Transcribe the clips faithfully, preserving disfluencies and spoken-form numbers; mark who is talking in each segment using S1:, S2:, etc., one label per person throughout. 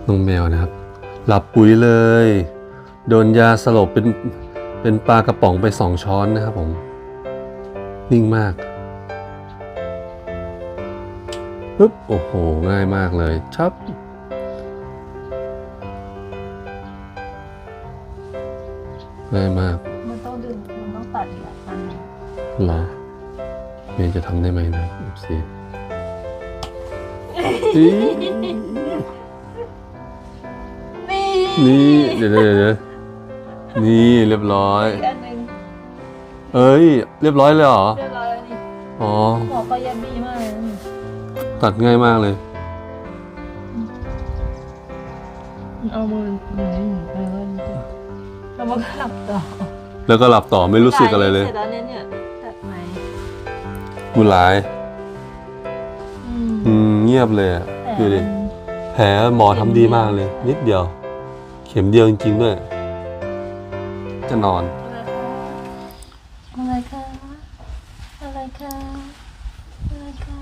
S1: น้องแมวนะครับหลับปุ๋ยเลยโดนยาสลบเป็นเป็นปลากระป๋องไปสองช้อนนะครับผมนิ่งมากปึ๊บโอ้โหง่ายมากเลยชับง่ายมาก
S2: มันต้องดึงมันต้องตัดอีกอันนึง
S1: หรอเมย์จะทำได้ไหมนะเอฟซีนี่เดี๋ยวเดี๋ยวเดี๋ยวนี่เรียบร้อย
S2: อีกอันนึง
S1: เอ้ยเรียบร้อยเลยเหรอ
S2: เรียบร้อยแล้วนี่
S1: อ๋อ
S2: หมอก็ยันดีมากเลยนี่
S1: ตัดง่ายมากเลย
S2: เอามือไหนแล้วก็แล้วมันก็หลับต่อ
S1: แล้วก็หลับต่อไม่รู้สึกอะไรเลย
S2: เสร็จแล้วเนี่ยเนี่ยตัดไหม
S1: บุญหลายอืมเงียบเลยอ่ะดูดิแผลหมอทำดีมากเลยนิดเดียวเข็มเดียวจริงๆด้วยจะนอน
S2: อะไรคะอะไรคะอะไรคะ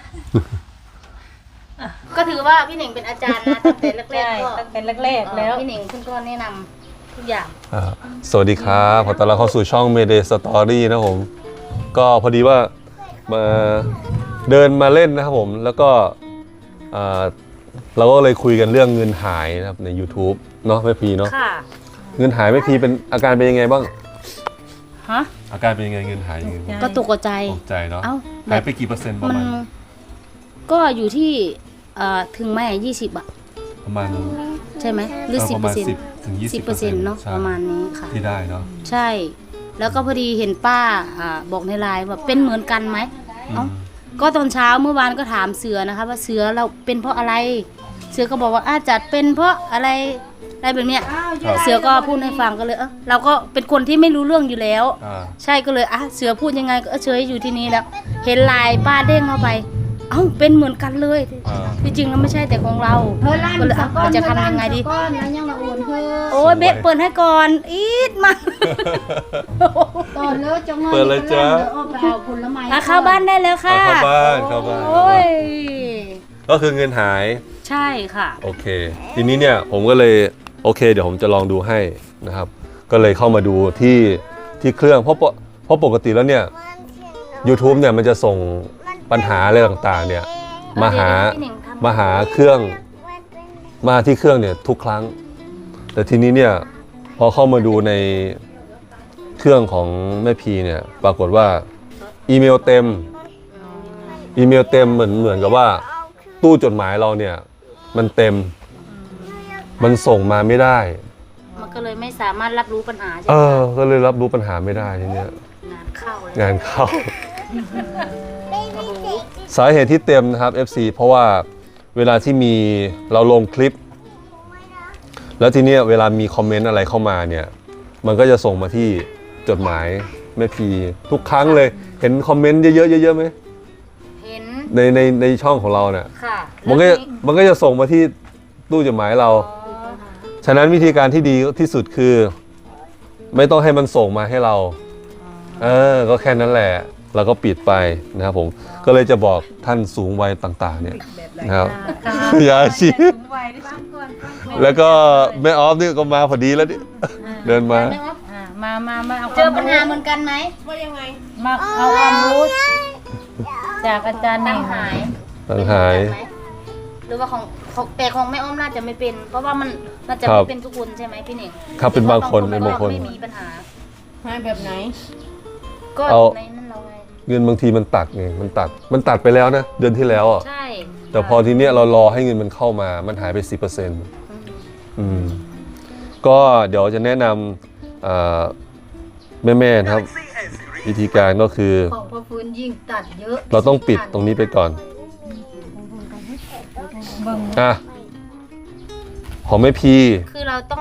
S3: ก็ถือว่าพี่เหน่งเป็นอาจารย์นะตั้งแต่แรกๆก็
S2: ตั้งแต่แรกๆแล้ว
S3: พี่เหน่งคุณก็แนะนำทุกอย่าง
S1: สวัสดีครับขอต้อนรับเข้าสู่ช่อง Mayday Story นะผมก็พอดีว่ามาเดินมาเล่นนะครับผมแล้วก็เราก็เลยคุยกันเรื่องเงินหายนะครับใน YouTube เนาะแม่พีเนาะเงินหายแม่พีเป็นอาการเป็นยังไงบ้าง
S3: ฮะ
S1: อาการเป็นยังไงเงินหายยังไง
S3: ก็ตกใจ
S1: ตกใจเนาะหายไปกี่เปอร์เซ็นต์ประมาณ
S3: ก็อยู่ที่ถึงไหมยี่สิบอะ
S1: ประมาณ
S3: ใช่ไหมหรือสิบเปอร์เซ็นต์
S1: ถึงยี่สิบเปอร์เซ็นต์
S3: เนาะประมาณนี้ค่ะ
S1: ที่ได้เนาะ
S3: ใช่แล้วก็พอดีเห็นป้าบอกในไลน์ว่าเป็นเหมือนกันไหมเอ้าก็ตอนเช้าเมื่อวานก็ถามเสือนะคะว่าเสือเราเป็นเพราะอะไรเสือก็บอกว่าอาจจะเป็นเพราะอะไรอะไรแบบเนี้ยเสือก็พูดให้ฟังก็เลยเออเราก็เป็นคนที่ไม่รู้เรื่องอยู่แล้วใช่ก็เลยอ่ะเสือพูดยังไงก็เฉยอยู่ที่นี้แล้วเห็นไลน์ป้าเด้งเข้าไปเอ้าเป็นเหมือนกันเลยที่จริงแล้วไม่ใช่แต่ของเราก็เลยเราจะทำยังไงดีโอ้ยเบ๊เปิดให้ก่อนอีดมา
S2: ตอนเลิกจังเลย
S1: เปิดเลยจ้า
S3: เข้าบ้านได้แล้วค่ะ
S1: เข้าบ้านเข้าบ้าน
S3: โอ้ย
S1: ก็คือเงินหาย
S3: ใช่ค่ะ
S1: โอเคทีนี้เนี่ยผมก็เลยโอเคเดี๋ยวผมจะลองดูให้นะครับก็เลยเข้ามาดูที่ที่เครื่องเพราะเพราะปกติแล้วเนี่ย YouTube เนี่ยมันจะส่งปัญหาอะไรต่างๆเนี่ยมาหามาหาเครื่องมาที่เครื่องเนี่ยทุกครั้งแต่ทีนี้เนี่ยพอเข้ามาดูในเครื่องของแม่พีเนี่ยปรากฏว่าอีเมลเต็มอีเมลเต็มเหมือนเหมือนกับว่าตู้จดหมายเราเนี่ยมันเต็มมันส่งมาไม่ได้
S3: มันก็เลยไม่สามารถรับรู้ปัญหาใช่ไหม
S1: เออก็เลยรับรู้ปัญหาไม่ได้ทีเนี้ย
S3: งานเข้าเลย
S1: งานเข้าสาเหตุที่เต็มนะครับ เอฟ ซี เพราะว่าเวลาที่มีเราลงคลิปแล้วทีเนี้ยเวลามีคอมเมนต์อะไรเข้ามาเนี่ยมันก็จะส่งมาที่จดหมายแม่พีทุกครั้งเลยเห็นคอมเมนต์เยอะๆเยอะๆไหม
S3: เห็น
S1: ในในในช่องของเราเนี่ย
S3: ค่ะ
S1: มันก็มันก็จะส่งมาที่ตู้จดหมายเราฉะนั้นวิธีการที่ดีที่สุดคือไม่ต้องให้มันส่งมาให้เราเออก็แค่นั้นแหละเราก็ปิดไปนะครับผมก็เลยจะบอกท่านสูงวัยต่างๆเนี่ยนะครับยาชีแล้วก็แม่ออฟนี่ก็มาพอดีแล้วนี่เดินมา
S3: มามามาเจอปัญหาเหมือนกันไหมว่ายังไง
S2: มาเอาความรู้จากอาจารย์
S3: ตั้งหาย
S1: ตั้งหาย
S3: หรือว่าของแต่ของแม่อ้อมน่าจะไม่เป็นเพราะว่ามันน่าจะไม่เป็นทุกคนใช่ไหมพี่หนิง
S1: ครับเป็นบางคนเป็นบางคน
S3: ไม่มีปัญหา
S2: หายแบบไหน
S3: ก็ในนั้นเราไง
S1: เงินบางทีมันตัดไงมันตัดมันตัดไปแล้วนะเดือนที่แล้วอ่ะ
S3: ใช่
S1: แต่พอทีเนี้ยเรารอให้เงินมันเข้ามามันหายไป สิบเปอร์เซ็นต์ อืมก็เดี๋ยวจะแนะนำแม่ๆนะครับวิธีการก็คือ
S2: ของพ่อฟื้นยิ่งตัดเยอะ
S1: เราต้องปิดตรงนี้ไปก่อนอ่ะของแม่พี
S3: คือเราต้อง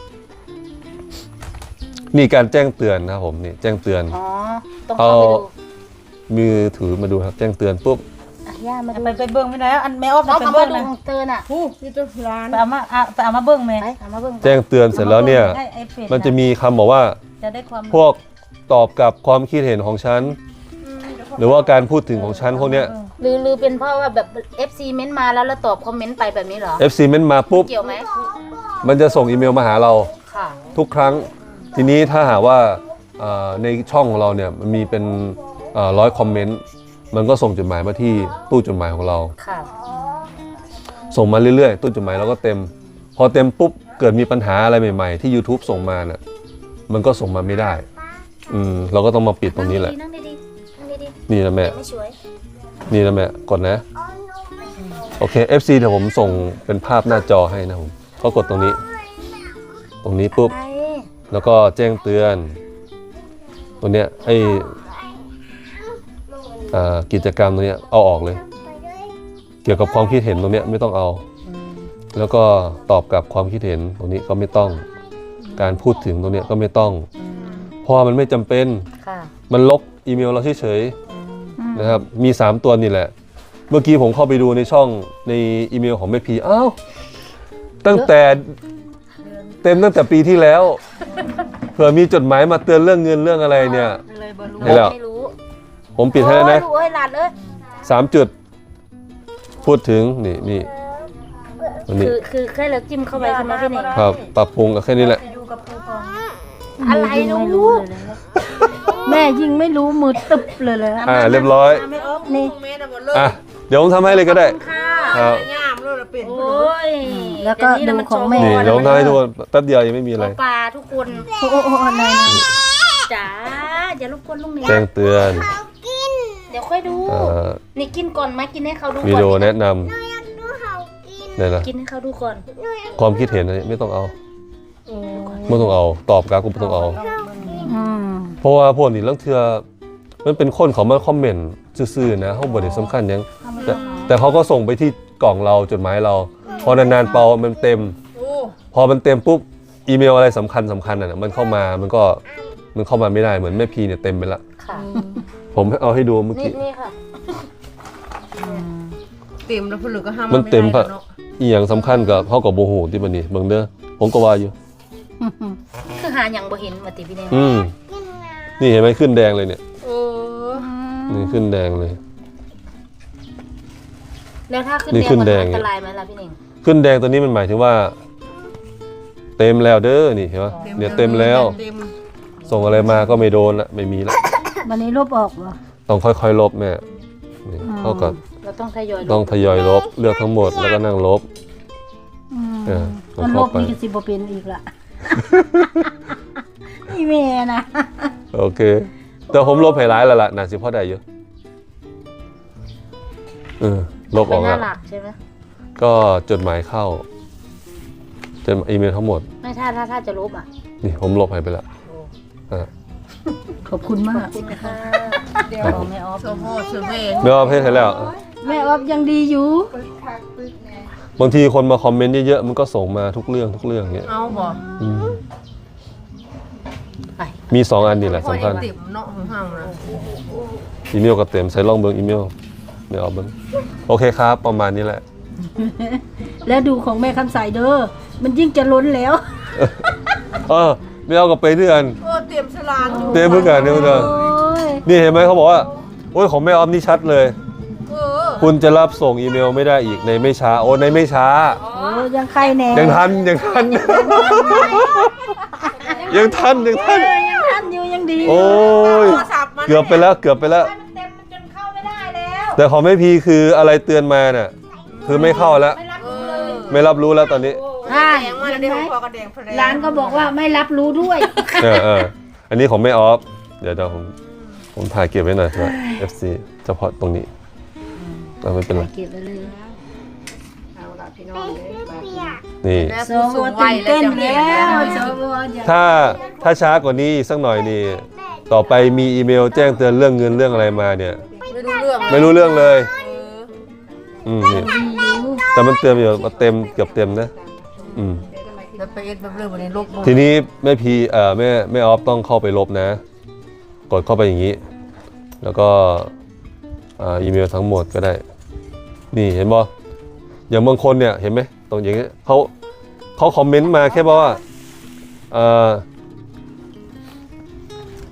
S1: นี่การแจ้งเตือนนะครับผมนี่แจ้งเตือน
S3: อ๋อต้องเข้าไปดู
S1: มือถือมาดูครับแจ้งเตือนปุ๊บ
S2: ย่ามาไปไปเบิ้งไม่ได้อันแม่ออฟไปเบิ้งนะ
S3: เตือนอ่ะ
S2: ผู้ที่ตัวร้านไปเอามาไปเอามาเบิ้งไหมเอามาเบิ้ง
S1: แจ้งเตือนเสร็จแล้วเนี่ยมันจะมีคำบอกว่าพวกตอบกับความคิดเห็นของฉันหรือว่าการพูดถึงของฉันพวกเนี้ย
S3: หรือหรือเป็นเพราะว่าแบบ เอฟ ซี เม้นต์มาแล้วเราตอบคอมเมนต์ไปแบบนี้เหรอ
S1: เอฟ ซี เม้นต์มาปุ๊บ
S3: เกี่ยวไหม
S1: มันจะส่งอีเมลมาหาเรา
S3: ค่ะ
S1: ทุกครั้งทีนี้ถ้าหากว่าเอ่อในช่องของเราเนี่ยมันมีเป็นร้อยคอมเมนต์มันก็ส่งจดหมายมาที่ตู้จดหมายของเรา
S3: ค่ะ
S1: ส่งมาเรื่อยๆตู้จดหมายเราก็เต็ม พอเต็มปุ๊บเกิดมีปัญหาอะไรใหม่ๆที่ YouTube ส่งมาน่ะมันก็ส่งมาไม่ได้อืมเราก็ต้องมาปิดตรงนี้แหละ
S3: นั่งดีๆนั่งดี
S1: นี่นะแม่
S3: ๆไม่ช่วย
S1: นี่นะแม่กดนะโอเค เอฟ ซี เดี๋ยวผมส่งเป็นภาพหน้าจอให้นะผมก็กดตรงนี้ ตรงนี้ปุ๊บ
S3: ไป
S1: แล้วก็แจ้งเตือน ตัวเนี้ยไออ่ากิจกรรมตัวเนี้ยเอาออกเลย เกี่ยวกับความคิดเห็นตรงเนี้ยไม่ต้องเอา แล้วก็ตอบกับความคิดเห็นตรงนี้ก็ไม่ต้อง การพูดถึงตรงเนี้ยก็ไม่ต้อง เพราะว่ามันไม่จำเป็น
S3: ค่ะ
S1: มันลบอีเมลเราเฉยๆนะครับ มี สาม ตัวนี่แหละ เมื่อกี้ผมเข้าไปดูในช่องในอีเมลของแม่พีอ้าวตั้งแต่เต็มตั้งแต่ปีที่แล้ว เผื่อมีจดหมายมาเตือนเรื่องเงินเรื่องอะไรเนี่ย
S2: เลยบอรู้
S1: ให้แล้ว
S3: ไม่รู้
S1: ผมปิดให้แล้วนะ
S3: โอ้ยหลานเอ้ย
S1: สามจุด พูดถึงนี่นี่อันนี้
S3: คือคือแค่เราจิ้มเข้าไปใช่ไหมพี่เน่ง
S1: ครับปรับปรุงกับแค่นี้แหละ
S2: ไปดูกับครูก่อน
S3: อะไรนะลูก
S2: แม่ยิ่งไม่รู้มือตึบเลยเลย
S1: อ่าเรียบร้อย
S2: ไม่ออฟนี่
S4: เมตรหมดเลย
S1: อ่ะเดี๋ยวผมทำให้เลยก็ได้
S3: ค่ะ
S1: ครับ
S4: ย่ามเลยละเป็น
S3: โอ้ย
S2: แล้วก็ดูของแม่
S1: นี่เดี๋ยวผมทำให้ทุกคนแป๊บเดียวยังไม่มีอะไร
S3: ปลาทุกคน
S2: โอ้โหอะไรนะ
S3: จ๋าอย่ารบกวนลุงเน่ง
S1: แจ้งเตือน
S3: เดี๋ยวค่อยดู
S1: เอ่อ
S3: นี่กินก่อนไหมกินให้เขาดู
S1: วิ
S3: ก่อน
S1: ดีโอ
S3: นี่
S1: แนะนำนี่นะ
S3: กินให้เขาดูก่อน
S1: ความคิดเห็นอะไรไม่ต้องเอาไม่ต้องเอาตอบกราฟก็ไม่ต้องเอา
S2: อืม
S1: เพราะว่าพวกนี้เรื่องเทือมันเป็นคนเขามาคอมเมนต์ซื่อๆนะเขาบทสำคัญหยังแต่แต่เขาก็ส่งไปที่กล่องเราจดหมายเรา พอนานๆเปามันเต็ม
S4: โอ้
S1: พอมันเต็มปุ๊บอีเมลอะไรสำคัญสำคัญอ่ะมันเข้ามามันก็มันเข้ามาไม่ได้เหมือนแม่พีเนี่ยเต็มไปละ
S3: ค่ะ
S1: ผมเอาให้ดูเมื่อ
S3: นี่
S1: กี้
S3: นี่ค่ะ
S4: เต็มแล้วผลึกก็ห้าม
S1: มันเต็ม
S4: พ
S1: ปะอีอย่างสำคัญกับเขากับโบหูที่มันนี่เบิ่งเด้อผมก็ว่าอยู่
S3: คือหาอย่างบ่เห็นมาติพี่เน่ง
S1: อืมนี่เห็นไหมขึ้นแดงเลยเนี่ย
S4: เออ
S1: นี่ขึ้นแดงเลย
S3: แล้วถ้าขึ้น
S1: นี่
S3: แดง
S1: ขึ้น
S3: มัน
S1: แดง
S3: อันตรายไหมล่ะพี่เน่ง
S1: ขึ้นแดงตัวนี้มันหมายถึงว่า เต็มแล้วเด้อนี่เห็นไหมเนี่ยเต็มแล้ว
S4: เต็ม
S1: ส่งอะไรมาก็ไม่โดนละไม่มีละ
S2: วันนี้ลบออกเหรอ
S1: ต้องค่อยๆลบแม่นี่เขาก็
S3: เราต้องทยอยล
S1: ต้องทยอยลบเลือกทั้งหมดแล้วก็นั่งลบ
S2: อืม
S1: เออ
S2: มันลบ
S1: เข้าไป
S2: นี่ก็สิบ่เป็นอีกละนี่แม่นะ
S1: โอเค แต่ผมลบให้ร้ายแล้วล่ะน่าสิพอได้อยู่เออลบอ
S3: เป็
S1: อน ก
S3: หน้า
S1: แล้ว
S3: หลักใช่ไหม
S1: ก็จดหมายเข้าจดอีเมลทั้งหมด
S3: ไม่ถ้าถ้าถ้าจะลบอ่ะ
S1: นี่ผมลบให้ไปแล้วอ่า
S2: ขอบคุณมาก
S3: คุณค่ะ
S4: เดี๋ยว
S3: ของแม่ออฟ
S4: โซโฮเซเว่น
S1: ไม่ว่าเพศให้แล้ว
S2: แม่ออฟยังดีอยู่
S1: บางทีคนมาคอมเมนต์เยอะๆมันก็ส่งมาทุกเรื่องทุกเรื่องเงี้ย
S4: เอาบ่
S1: อืม
S3: ไป
S1: มีสองอันนี่แหละสำคัญ
S4: พอได้เต็มเนาะของห้างนะ
S1: อีเมลกับเต็มใส่ลองเบิ้งอีเมลไม่เอาเบิ้งโอเคครับ ประมาณนี้แหละ
S2: แล้วดูของแม่คำใสเด้อมันยิ่งจะล้นแล้ว
S1: เออไม่เอากับไปด้วยกัน
S4: โอ้เต็มสลานอยู่
S1: เต็มเพื่อกันเนี่ยเพื่อน
S2: โอ้ย
S1: นี่เห็นไหมเขาบอกว่าโอ้ยของแม่ออฟนี่ชัดเลย
S4: เออ
S1: คุณจะรับส่งอีเมลไม่ได้อีกในไม่ช้าโอ้ในไม่ช้า
S2: โอ้ยยังใครแหน่
S1: ยังทันยังทัน ยังทันยังทัน
S2: เออยังทันอยู่ยังดี
S1: โอ้ย
S4: โทรศัพท์มัน
S1: เกือบไปแล้วเกือบไปแล้ว
S4: มันเต็มมันจนเข้าไม่ได้แล้ว
S1: แต่ของแม่พีคืออะไรเตือนมาเนี่ยคือไม่เข้าแล้ว
S4: เออ
S1: ไม่รับรู้แล้วตอนนี้
S4: ใช่แดงมาแล้วเดี๋ยวพอกระแดงแผล
S2: ร้านก็บอกว่าไม่รับรู้ด้วย
S1: เออเอออันนี้ของแม่ออฟเดี๋ยวเดี๋ยวผมผมถ่ายเก็บไว้หน่อยว่า เอฟ ซี เฉพาะตรงนี้เอาไม่เป็นไร
S3: เก็บไว้เลย
S4: เอาละพี่น้องเลย
S1: นี่
S4: แล้ว
S2: โซ
S4: ผู้สู
S2: ว
S4: งวั
S2: ตื่
S4: ย
S2: น
S4: แล้ว
S2: เต้น
S4: จะเห็น
S2: แล้ว
S4: แล้ว
S2: โซวอย่า
S1: ถ้าถ้าช้ากว่านี้อีกสักหน่อยนี่ต่อไปมีอีเมลแจ้งเตือนเรื่องเงินเรื่องอะไรมาเนี่ย
S4: ไม่รู้เรื่อง
S1: ไม่รู้เรื่องเลย
S4: เออ
S1: อืมนี่แต่มันเตือนอยู่ว่าเต็มเกือบเต็มนะอืม
S4: แล้วไปเอ็ดแบบเรื่องวันนี้ลบหมด
S1: ทีนี้แม่พีเอ่อแม่แม่ออฟต้องเข้าไปลบนะ กดเข้าไปอย่างนี้ แล้วก็อ่าอีเมลทั้งหมดก็ได้ นี่เห็นบ่อย่างบางคนเนี่ยเห็นไหมตรงอย่างนี้เขาเขาคอมเมนต์มาแค่บอกว่าเอ่อ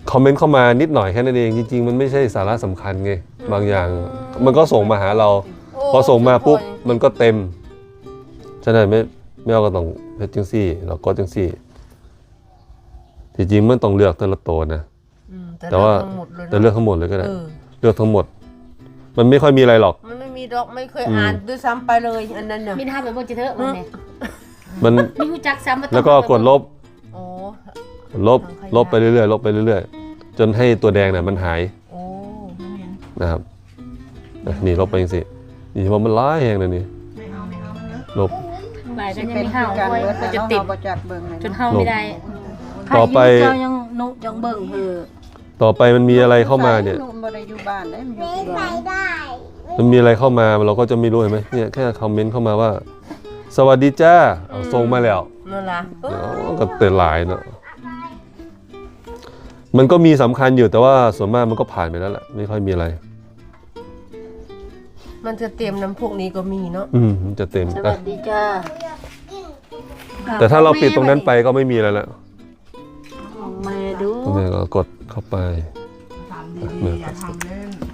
S1: คอมเมนต์เข้ามานิดหน่อยแค่นั้นเองจริงๆมันไม่ใช่สาระสำคัญไงบางอย่าง มันก็ส่งมาหาเรา พอส่งมาปุ๊บมันก็เต็มฉะนั้นไม่ไม่เอาก็ต้องเพชรจังซี่เราก็จังซี่ที่จริงมันต้องเลือกแต่ละตัวนะ
S4: อืม
S1: แต่ว่า
S4: เลือกทั้งหมดเลยนะ
S1: แต่เลือกทั้งหมดเลยก็ได้
S4: เออ
S1: เลือกทั้งหมด มันไม่ค่อยมีอะไรหรอก
S4: มันไม่มีดอกไม่เคย
S1: อืม
S4: อ่านด้วยซ้ำไปเลยอันนั้นเนี่ย
S3: มีท่าแบบว่าจะเถอะวันนี้
S1: มัน
S3: มีหูจักซ้ำาต้อง
S1: แล้วก็กดลบ
S4: โอ้
S1: ลบลบไปเรื่อยๆลบไปเรื่อยๆจนให้ตัวแดงเนี่ยมันหาย
S4: โอ้
S1: นะครับอ่ะนี่ลบไปยังสินี่ว่ามันร้ายแหงเลยนี่ลบ
S3: หลายก็ยังไม่เห่าไว้ก็จะติดจนเห่าไม่ได้
S1: ต่อไป
S3: เจ้ายังนุยังเบิ่งเหือ
S1: ต่อไปมันมีอะไรเข้ามาเนี่ย
S4: บ่ได้อยู่บ้านได้มันอยู่ที่บ้าน
S1: มันมีอะไรเข้ามาเราก็จะไม่รู้เห็นไหมเนี่ยแค่คอมเมนต์เข้ามาว่า สวัสดีจ้าเอาส่งมาแล้ว
S4: นั่นล่ะเออ
S1: เดี๋ยวก็เตือนหลายเนาะมันก็มีสำคัญอยู่แต่ว่าส่วนมากมันก็ผ่านไปแล้วแหละไม่ค่อยมีอะไร
S4: มันจะเตรียมน้ำพวกนี้ก็มีเนาะ
S1: อืมมันจะเต็ม
S3: ส
S1: อ่ะ
S3: วัสดีจ้า
S1: แต่ถ้าเราปิดตรงนั้นไปก็ไม่มีอะไรแล้ว
S3: มาดู
S1: ตรงนี้ก็กดเข้าไป
S5: ทำดีๆอย่าทำเล่น